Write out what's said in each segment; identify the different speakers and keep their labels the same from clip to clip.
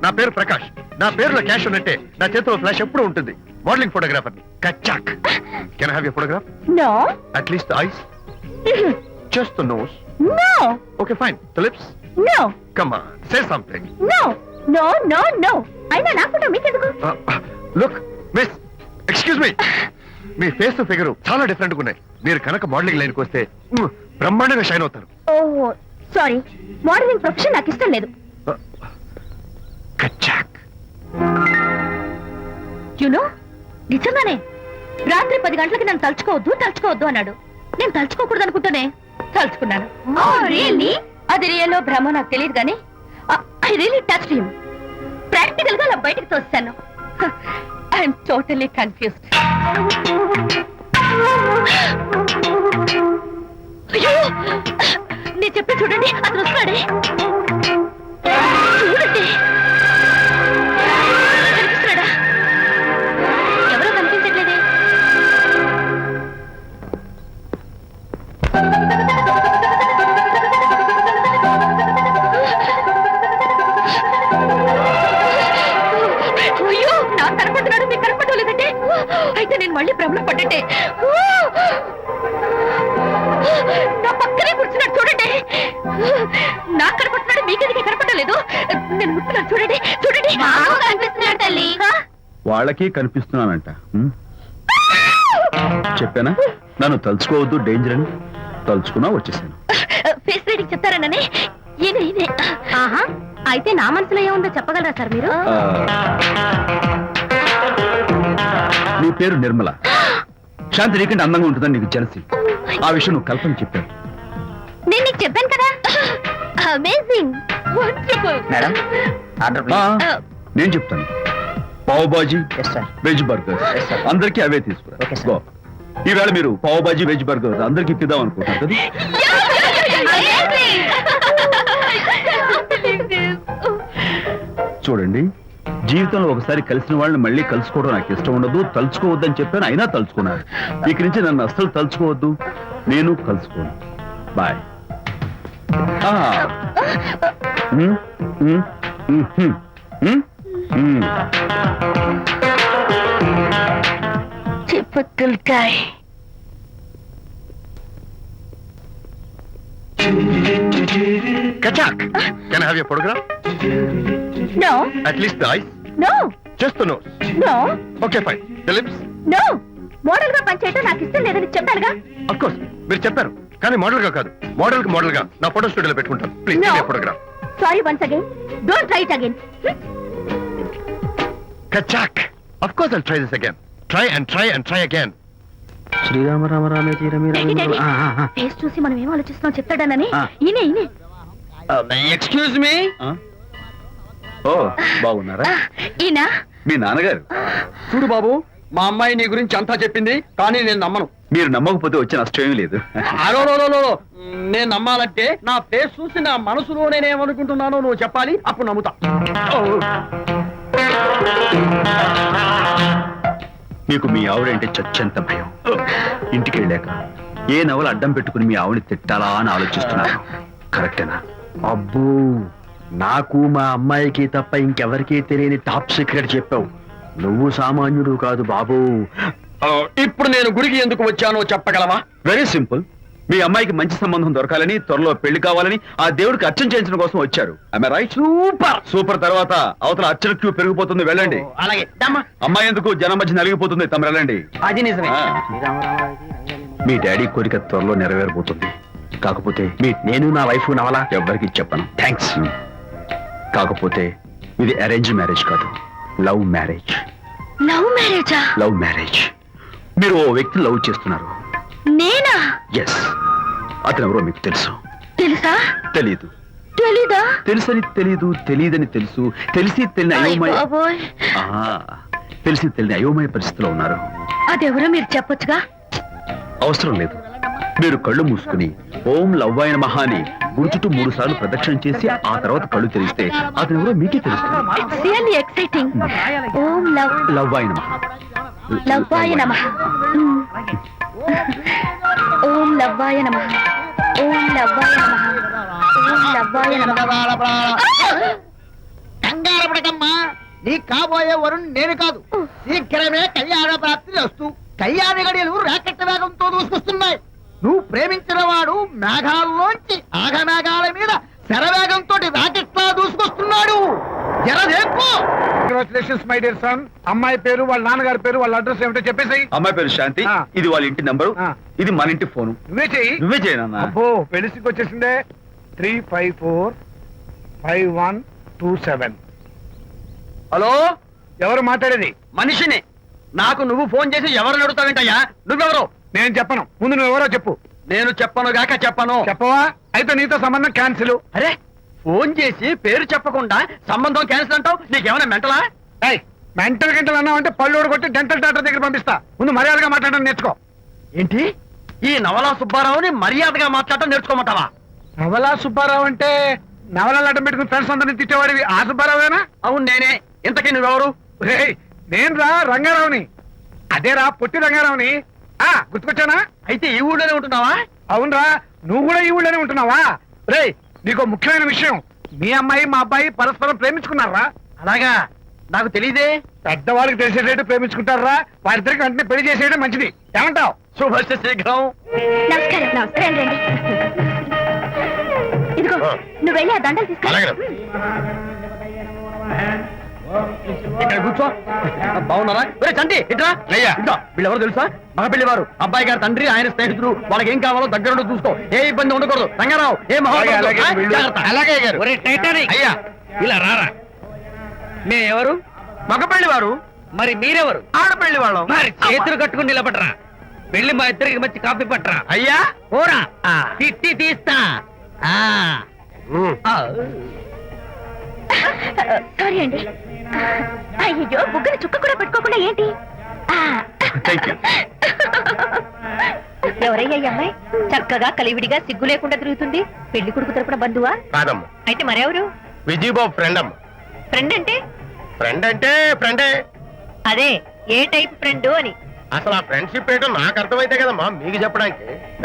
Speaker 1: నా పేరు ప్రకాష్. నా పేరులో క్యాష్ ఉన్నట్టే నా చేతిలో ఫ్లాష్ ఎప్పుడు ఉంటుంది. మోడలింగ్ ఫోటోగ్రాఫర్ ని. కచ్చాక్. Can I have your photograph?
Speaker 2: No.
Speaker 1: At least the eyes? Just the nose?
Speaker 2: No.
Speaker 1: Okay fine. The lips?
Speaker 2: No.
Speaker 1: Come on, say something.
Speaker 2: No no no no. అయినా నా ఫోటో మీకెందుకు?
Speaker 1: Look miss, excuse me. మీ face figure చాలా different గా ఉన్నాయి. మీరు కనుక modelling లైన్కి వస్తే బ్రహ్మాండంగా షైన్ అవుతారు.
Speaker 2: ఓహో సారీ, మోడలింగ్ ప్రొఫెషన్ నాకు ఇష్టం లేదు.
Speaker 1: కచ్చాక్.
Speaker 2: యునో నిజంగానే రాత్రి 10 గంటలకి నన్ను తలుచుకోవద్దు అన్నాడు. నేను తలుచుకోకూడదు అనుకుంటూనే తలుచుకున్నాను. అది రియల్లో భ్రమ నాకు తెలియదు కానీ I really touched him. Practical గా అలా బయటకు తోస్తాను. I'm totally confused. అయ్యో నేను చెప్పి చూడండి, అతను వస్తాడే. చూడండి, కనిపిస్తున్నాడా? ఎవరో కనిపించట్లేదే. అయ్యో నాకు కనపడుతున్నాడు, మీకు కనపడలేదంటే అయితే నేను మళ్ళీ భ్రమలో పడ్డట్టే. నా పక్కనే కూర్చున్నాడు చూడండి. నాకు కనపడుతున్నాడు, మీకెందుకు కనపడలేదు? నేను ముట్టున్నాను చూడండి. చూడండి కనిపిస్తున్నాడు తల్లి.
Speaker 3: వాళ్ళకి కనిపిస్తున్నానంట. చెప్పానా నన్ను తలుచుకోవద్దు, డేంజర్ అని. తలుచుకున్నా వచ్చేసాను.
Speaker 2: ఫేస్ రీడింగ్ చెప్తారననే. ఆహా, అయితే నా మనసులో ఏముందో చెప్పగలరా సార్ మీరు?
Speaker 3: నీ పేరు నిర్మల. శాంతి నీకంటే అందంగా ఉంటుందని నీకు జలసి. ఆ విషయం నువ్వు కల్పన చెప్పావు.
Speaker 2: నేను నీకు చెప్పాను కదా. Amazing, wonderful.
Speaker 4: మేడం ఆర్డర్
Speaker 3: నేను చెప్తాను. పావ్ బాజీ, వెజ్ బర్గర్, అందరికీ అవే తీసుకురా. గో. ఈవేళ మీరు పావ్ బాజీ, వెజ్ బర్గర్ అందరికీ ఇద్దాం అనుకుంటారు కదా. చూడండి, జీవితంలో ఒకసారి కలిసిన వాళ్ళని మళ్ళీ కలుసుకోవడం నాకు ఇష్టం ఉండదు. తలుచుకోవద్దని చెప్పాను, అయినా తలుచుకున్నారు. ఇక నుంచి నన్ను అస్సలు తలుచుకోవద్దు, నేను కలుసుకోను. Bye.
Speaker 2: Typical guy.
Speaker 1: Kachak. Can I have your photograph?
Speaker 2: No.
Speaker 1: At least the eyes?
Speaker 2: No.
Speaker 1: Just the nose?
Speaker 2: No.
Speaker 1: Okay fine. The lips?
Speaker 2: No. Model గా పనిచేయటం నాకు ఇష్టం లేదని చెప్పానుగా.
Speaker 1: Of course. మీరు చెప్పారు, కానీ మోడల్ గా కాదు. మోడల్ గా నా ఫోటో స్టూడియోలో పెట్టుకుంటాను. Please
Speaker 2: No.
Speaker 1: Photograph.
Speaker 2: Sorry once again. Don't try it again.
Speaker 1: Kachak. Of course I'll try this again. Try and try and try again.
Speaker 3: శ్రీరామ రామ రామే తీరమే
Speaker 2: ఫేస్ చూసి మనం ఏం ఆలోచిస్తున్నాం చెప్తాడనని. ఈయనే.
Speaker 4: Excuse me.
Speaker 3: ఓ బాగున్నారా?
Speaker 2: ఈయన
Speaker 3: మీ నాన్నగారు.
Speaker 4: చూడు బాబు, మా అమ్మాయి నీ గురించి అంతా చెప్పింది, కానీ నేను నమ్మను.
Speaker 3: మీరు నమ్మకపోతే వచ్చే నష్టం ఏమీ లేదు.
Speaker 4: అలో నేను నమ్మాలంటే నా ఫేస్ చూసి నా మనసులో నేనేమనుకుంటున్నానో నువ్వు చెప్పాలి, అప్పుడు నమ్ముతా.
Speaker 3: మీకు మీ ఆవిడంటే చచ్చెంత భయం. ఇంటికి వెళ్ళాక ఏ నవలు అడ్డం పెట్టుకుని మీ ఆవిడని తిట్టాలా అని ఆలోచిస్తున్నాను. కరెక్టేనా?
Speaker 4: అబ్బో, నాకు మా అమ్మాయికి తప్ప ఇంకెవరికీ తెలియని టాప్ సీక్రెట్ చెప్పావు. నువ్వు సామాన్యుడు కాదు బాబు. ఇప్పుడు నేను గుడికి ఎందుకు వచ్చానో చెప్పగలవా?
Speaker 3: Very simple. మీ అమ్మాయికి మంచి సంబంధం దొరకాలని, త్వరలో పెళ్లి కావాలని ఆ దేవుడికి అర్చన చేయించడం కోసం వచ్చారు. రైట్? సూపర్. తర్వాత అవతల అర్చన క్యూ పెరిగిపోతుంది, వెళ్ళండి.
Speaker 4: అలాగే.
Speaker 3: అమ్మాయి ఎందుకు జనం మధ్య నలిగిపోతుంది, తమ వెళ్ళండి.
Speaker 4: అది నిజమే.
Speaker 3: మీ డాడీ కోరిక త్వరలో నెరవేరబోతుంది. కాకపోతే నేను నా వైఫ్ నవలా ఎవ్వరికి చెప్పను. థ్యాంక్స్. కాకపోతే ఇది అరేంజ్ మ్యారేజ్ కాదు, లవ్ మ్యారేజ్.
Speaker 2: లవ్ మ్యారేజా?
Speaker 3: Love marriage. మీరు ఓ వ్యక్తిని లవ్ చేస్తున్నారు.
Speaker 2: నేనా?
Speaker 3: ఎస్. అతను ఎవరో మీకు తెలుసు.
Speaker 2: తెలుసా?
Speaker 3: తెలీదు.
Speaker 2: తెలీదా?
Speaker 3: తెలుసని తెలీదు, తెలియదని తెలుసు, తెలిసి తెలియని అయోమయ తెలిసి తెలియని అయోమయ పరిస్థితిలో ఉన్నారు.
Speaker 2: అదెవరో మీరు చెప్పొచ్చుగా.
Speaker 3: అవసరం లేదు. మీరు కళ్ళు మూసుకుని ఓం లవ్వాయ నమః అని గుడి చుట్టూ 3 సార్లు ప్రదక్షిణ చేసి ఆ తర్వాత కళ్ళు తెరిస్తే అతను ఎవరో మీకే తెలుస్తుంది.
Speaker 2: It's really exciting. ఓం
Speaker 3: లవ్వాయ నమః.
Speaker 2: లవ్వాయ నమః. ఓం లవ్వాయ నమః. ఓం లవ్వాయ నమః. ఓం లవ్వాయ నమః.
Speaker 4: కంగారు
Speaker 5: తొందరపడకమ్మా. నీ కాబోయే వరుణ్ నేను కాదు. శీఘ్రమే కళ్యాణ ప్రాప్తి వస్తూ కళ్యాణ గడియలు రాకెట్ వేగంతో దూసుకొస్తున్నాయి. నువ్వు ప్రేమించిన వాడు మేఘాల్లోంచి ఆగమేఘాల మీద శరవేగంతో రాకెట్లా దూసుకొస్తున్నాడు. జరదేపు.
Speaker 1: Congratulations my dear son. అమ్మాయి పేరు, వాళ్ళ నాన్నగారి పేరు, వాళ్ళ అడ్రస్ ఏమిటో చెప్పేసి.
Speaker 3: అమ్మాయి పేరు శాంతి,
Speaker 1: ఆ.
Speaker 3: ఇది వాళ్ళ ఇంటి నంబరు,
Speaker 1: ఆ.
Speaker 3: ఇది మన ఇంటి ఫోను.
Speaker 1: నువ్వే చెయ్యి.
Speaker 3: నువ్వే చేయనన్నా.
Speaker 1: అబ్బో పెళ్లికి వచ్చేసిందే. 3545127.
Speaker 3: హలో,
Speaker 1: ఎవరు మాట్లాడేది?
Speaker 3: మనిషిని. నాకు నువ్వు ఫోన్ చేసి ఎవరు అడుగుతావేంటయ్యా? నువ్వెవరు?
Speaker 1: నేను చెప్పను. ముందు నువ్వు ఎవరో చెప్పు.
Speaker 3: నేను చెప్పను గాక చెప్పను.
Speaker 1: చెప్పవా? అయితే నీతో సంబంధం క్యాన్సిల్.
Speaker 3: అరే, ఫోన్ చేసి పేరు చెప్పకుండా సంబంధం క్యాన్సిల్ అంటావు? నీకేమైనా మెంటలా?
Speaker 1: మెంటల్ గంటలు అన్నావు అంటే పళ్ళోడు కొట్టి డెంటల్ డాక్టర్ దగ్గర పంపిస్తా. ముందు మర్యాదగా మాట్లాడడం నేర్చుకో.
Speaker 3: ఏంటి, ఈ నవలా సుబ్బారావుని మర్యాదగా మాట్లాడటం నేర్చుకోమంటావా?
Speaker 1: నవలా సుబ్బారావు అంటే నవలాలు అడ్డం పెట్టుకుని ఫ్రెండ్స్ అందరినీ తిట్టేవాడివి ఆ సుబ్బారావేనా?
Speaker 3: అవును నేనే. ఇంతకీ నువ్వెవరు?
Speaker 1: నేను రా రంగారావుని. అదేరా పొట్టి రంగారావుని. గుర్తుకొచ్చానా?
Speaker 3: అయితే ఈ ఊళ్ళోనే ఉంటున్నావా?
Speaker 1: అవునరా, నువ్వు కూడా ఈ ఊళ్ళోనే ఉంటున్నావా? రేయ్, నీకు ముఖ్యమైన విషయం. మీ అమ్మాయి మా అబ్బాయి పరస్పరం ప్రేమించుకున్నారా?
Speaker 3: అలాగా, నాకు తెలియదే.
Speaker 1: పెద్దవాళ్ళకి తెలిసేటట్టు ప్రేమించుకుంటారా? వారిద్దరికి వెంటనే పెళ్లి చేసేయడం మంచిది. ఏమంటావు?
Speaker 3: శుభస్య శీఘ్రం.
Speaker 2: నమస్కారం. నమస్కారం రండి. ఇదిగో నువ్వు వెళ్ళి ఆ దండలు తీసుకో.
Speaker 3: ఇక్కడ కూర్చో. బాగున్నారా? ఒరే చంటి, ఇట్రా.
Speaker 1: అయ్యా.
Speaker 3: ఇట్రా. వీళ్ళెవరు తెలుసా? మగ పెళ్లివారు. అబ్బాయి గారి తండ్రి, ఆయన స్నేహితులు. వాళ్ళకి ఏం కావాలో దగ్గరుండి చూసుకో. ఏ ఇబ్బంది ఉండకూడదు. రంగారావు, ఏ
Speaker 1: అలాగే, అలాగే గారు.
Speaker 3: అయ్యా, ఇలా రారా. మే ఎవరు? మగ పెళ్లివారు. మరి మీరెవరు? ఆడపెళ్లి వాళ్ళం. మరి చేతులు కట్టుకుని నిలబడరా. వెళ్ళి మా ఇద్దరికి మంచి కాఫీ పట్టరా. అయ్యా ఓరా, తిట్టి తీస్తా.
Speaker 2: సారీ అండి. అయ్యో బుగ్గన చుక్క కూడా పెట్టుకోకుండా ఏంటి? ఎవరయ్యా ఈ అమ్మాయి? చక్కగా కలివిడిగా సిగ్గు లేకుండా తిరుగుతుంది. పెళ్లి కొడుకు తరపున బంధువా?
Speaker 1: కాదమ్మా,
Speaker 2: అయితే మరెవరు?
Speaker 1: విజయబాబు ఫ్రెండ్ అమ్మా.
Speaker 2: ఫ్రెండ్ అంటే?
Speaker 1: ఫ్రెండ్ అంటే ఫ్రెండే.
Speaker 2: అదే ఏ టైప్ ఫ్రెండ్ అని.
Speaker 1: అసలు ఆ ఫ్రెండ్షిప్ ఏంటో నాకు అర్థమైతే కదమ్మా మీకు చెప్పడానికి.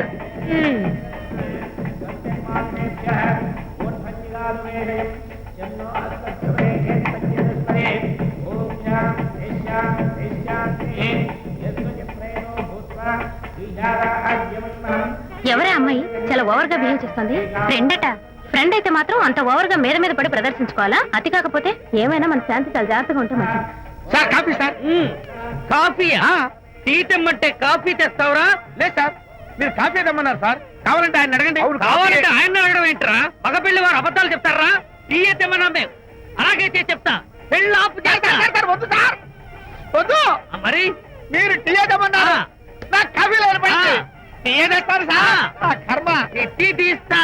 Speaker 2: ఎవరే అమ్మాయి చాలా ఓవర్ గా బిహేవ్ చేస్తుంది? ఫ్రెండ్ అట. ఫ్రెండ్ అయితే మాత్రం అంత ఓవర్ గా మీద మీద పడి ప్రదర్శించుకోవాలా? అతి కాకపోతే ఏమైనా మన శాంతి చాలా జాగ్రత్తగా ఉంటే మంచిది.
Speaker 1: Sir coffee sir.
Speaker 3: కాఫీయా? టీ తెమ్మంటే కాఫీ తెస్తావురా?
Speaker 1: లేదు సార్, మీరు కాఫీ తెమ్మన్నారు సార్. కావాలంటే ఆయన అడగండి.
Speaker 3: కావాలంటే ఆయన అడగడం ఏంట్రా? మగ పెళ్లి వారు అబద్ధాలు చెప్తారా? టీ తెమ్మన్నా మేము అలాగైతే చెప్తా. పెళ్ళి ఆపు చేస్తా.
Speaker 1: వద్దు సార్, వద్దు.
Speaker 3: మరి
Speaker 1: మీరు టీ తెమ్మన్నారు, నాకు కాఫీ లేదు. టీ తెస్తారు సార్. కర్మ.
Speaker 3: టీ తీస్తా.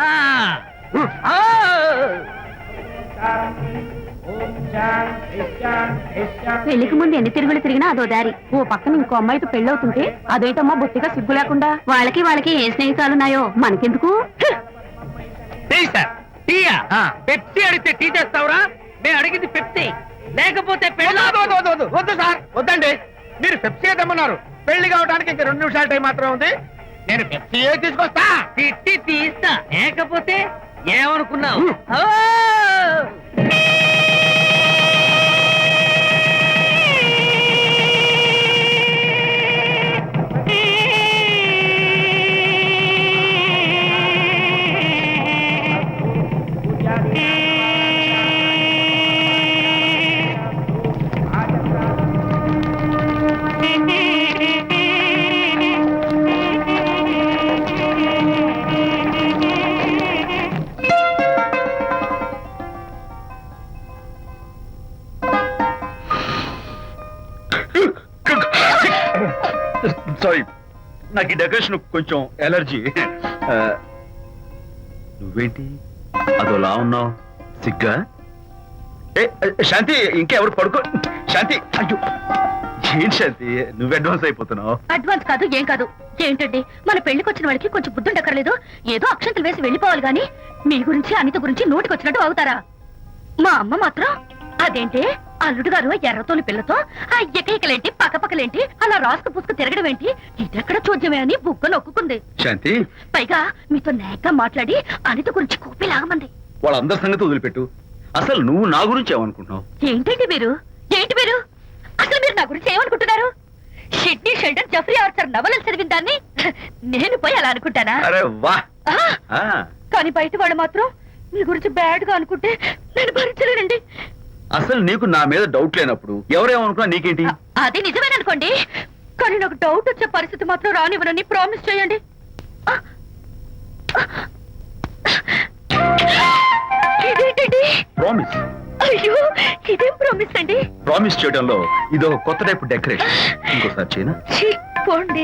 Speaker 2: పెళ్లికి ముందు ఎన్ని తిరుగులు తిరిగినా అదో దారి. ఓ పక్కన ఇంకో అమ్మాయితో పెళ్ళవుతుంటే అదేటమ్మా బొత్తిగా సిగ్గు లేకుండా. వాళ్ళకి ఏ స్నేహితాలున్నాయో మనకెందుకు?
Speaker 3: Tea sir. టీయా? పెప్సీ అడిగితే టీ తెస్తావురా? నేను అడిగింది పెప్సీ, లేకపోతే
Speaker 1: వద్దు సార్, వద్దండి. మీరు పెప్సీ తెమ్మన్నారు. పెళ్లి కావడానికి ఇంకా 2 నిమిషాల టైం మాత్రమే ఉంది. నేను పెప్సీ తీసుకొస్తా.
Speaker 3: తిట్టి తీస్తా. లేకపోతే ఏమనుకున్నావు? సారీ, నాకు ఈ డెకరేషన్ కొంచెం ఎలర్జీ. నువ్వేంటి అదోలా ఉన్నావు? సిగ్గా? శాంతి, ఇంకెవరు పడుకో. శాంతి, అయ్యో ఏం శాంతి, నువ్వు అడ్వాన్స్ అయిపోతున్నావు.
Speaker 2: అడ్వాన్స్ కాదు, ఏం కాదు. ఏంటండి, మన పెళ్లికి వచ్చిన వాళ్ళకి కొంచెం బుద్ధి ఉండక్కర్లేదు? ఏదో అక్షంతలు వేసి వెళ్ళిపోవాలి గాని మీ గురించి అనిత గురించి నోటికి వచ్చినట్టు అవుతారా? మా అమ్మ మాత్రం అదేంటి అల్లుడు గారు ఎర్రతోలి పిల్లతో ఆ ఎకలేంటి పక్కపక్కలేంటి అలా రాసుకు పుసుకు తిరగడం ఏంటి? ఇదెక్కడ చూద్యమే అని బుగ్గ నొక్కుంది.
Speaker 3: శాంతి,
Speaker 2: పైగా మీతో నేగ్గా మాట్లాడి అనిత గురించి కూపి లాగమంది.
Speaker 3: వాళ్ళందరి సంగతి వదిలిపెట్టు. అసలు నువ్వు నా గురించి ఏమనుకుంటున్నావు?
Speaker 2: ఏంటండి మీరు ఏంటి మీరు అసలు మీరు నా గురించి ఏమనుకుంటున్నారు? షిడ్నీ షెల్డన్ జెఫ్రీ ఆర్చర్ నవలలు చదివిన దాన్ని నేను పోయి అలా అనుకుంటానా?
Speaker 3: అరే వా
Speaker 2: ఆ,
Speaker 3: ఆ,
Speaker 2: కానీ బయట వాళ్ళు మాత్రం మీ గురించి బ్యాడ్ గా అనుకుంటే నేను భరించలేనండి.
Speaker 3: అసలు నీకు నా మీద డౌట్ లేనప్పుడు ఎవరేమనుకున్నా నీకేంటి?
Speaker 2: అది నిజమేననుకోండి, కానీ నాకు డౌట్ వచ్చే పరిస్థితి మాత్రం రానివ్వనని ప్రామిస్ చేయండి. ఇదేంటండి?
Speaker 3: ప్రామిస్.
Speaker 2: అయ్యో, ఇదేం ప్రామిస్ అండి?
Speaker 3: ప్రామిస్ చేయడంలో ఇది ఒక కొత్త టైప్ డెకరేషన్. ఇంకోసారి చేయనా?
Speaker 2: ఛీ, పోండి.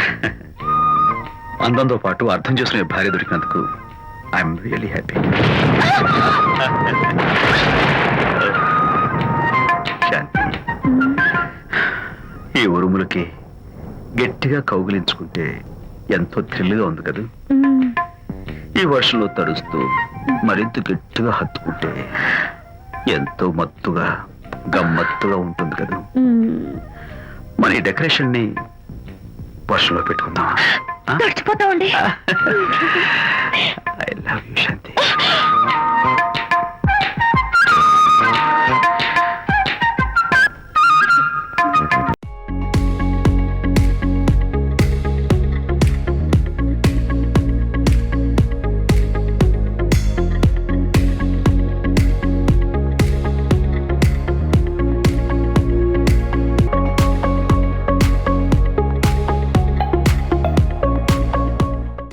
Speaker 3: అందంతో పాటు అర్థం చేసుకునే భార్య దొరికినందుకు ఐఎమ్ రియలీ హ్యాపీ. శాంతి, ఈ ఉరుములకి గట్టిగా కౌగిలించుకుంటే ఎంతో థ్రిల్గా ఉంది కదా. ఈ వర్షంలో తడుస్తూ మరింత గట్టిగా హత్తుకుంటే ఎంతో మత్తుగా గమ్మత్తుగా ఉంటుంది కదా. మన ఈ డెకరేషన్ ని వర్షంలో పెట్టుకుందాం.
Speaker 2: తడిచిపోతామండి.